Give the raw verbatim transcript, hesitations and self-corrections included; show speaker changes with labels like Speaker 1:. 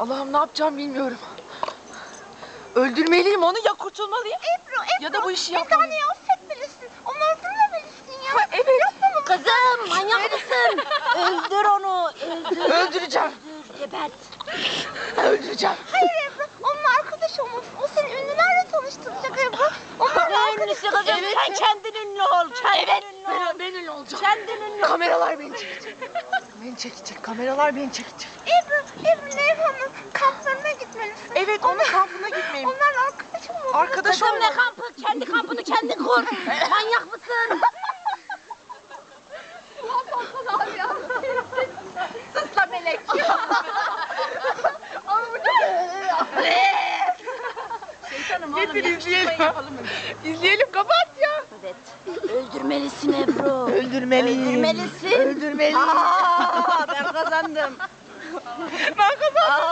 Speaker 1: Allah'ım ne yapacağım bilmiyorum. Öldürmeliyim onu ya kurtulmalıyım.
Speaker 2: Ebru, Ebru.
Speaker 1: Ya da bu işi
Speaker 2: Bir
Speaker 1: yapmalıyım.
Speaker 2: taneyi affetmelisin. Onu öldürmemelisin ya.
Speaker 1: Ha, evet.
Speaker 2: Yapmamalısın.
Speaker 3: Kızım manyak mısın? Öldür onu. Öldür.
Speaker 1: Öldüreceğim.
Speaker 3: Öldür. Gebert.
Speaker 1: Öldüreceğim.
Speaker 2: Hayır Ebru. Onunla arkadaş olmalısın. O seni ünlülerle tanıştıracak Ebru. Onlarla
Speaker 3: Ne
Speaker 2: arkadaş
Speaker 3: ünlüsü kızım?
Speaker 1: Evet.
Speaker 3: Sen kendin kendin ünlü ol. Kendin
Speaker 1: Evet.
Speaker 3: ünlü ol.
Speaker 1: Ben, ben ünlü olacağım.
Speaker 3: Kendin ünlü ol.
Speaker 1: Kameralar beni çekecek. Beni çekecek. Kameralar beni çekecek.
Speaker 2: Ebru, Ebru Nevhan'ın kamplarına gitmelisin.
Speaker 1: Evet, onun kampına gitmeyeyim.
Speaker 2: Onlarla arkadaş olmalısın.
Speaker 1: Arkadaş
Speaker 3: Kızım ne
Speaker 1: olma.
Speaker 3: kampı? Kendi kampını kendin kur. Manyak mısın?
Speaker 2: Sus la melek.
Speaker 1: Getir izleyelim. İzleyelim kapat ya.
Speaker 3: Evet. Öldürmelisin Ebru.
Speaker 1: Öldürmeliyim.
Speaker 3: Öldürmelisin.
Speaker 1: Öldürmeliyim.
Speaker 3: Aa, ben kazandım.
Speaker 1: Ben kazandım.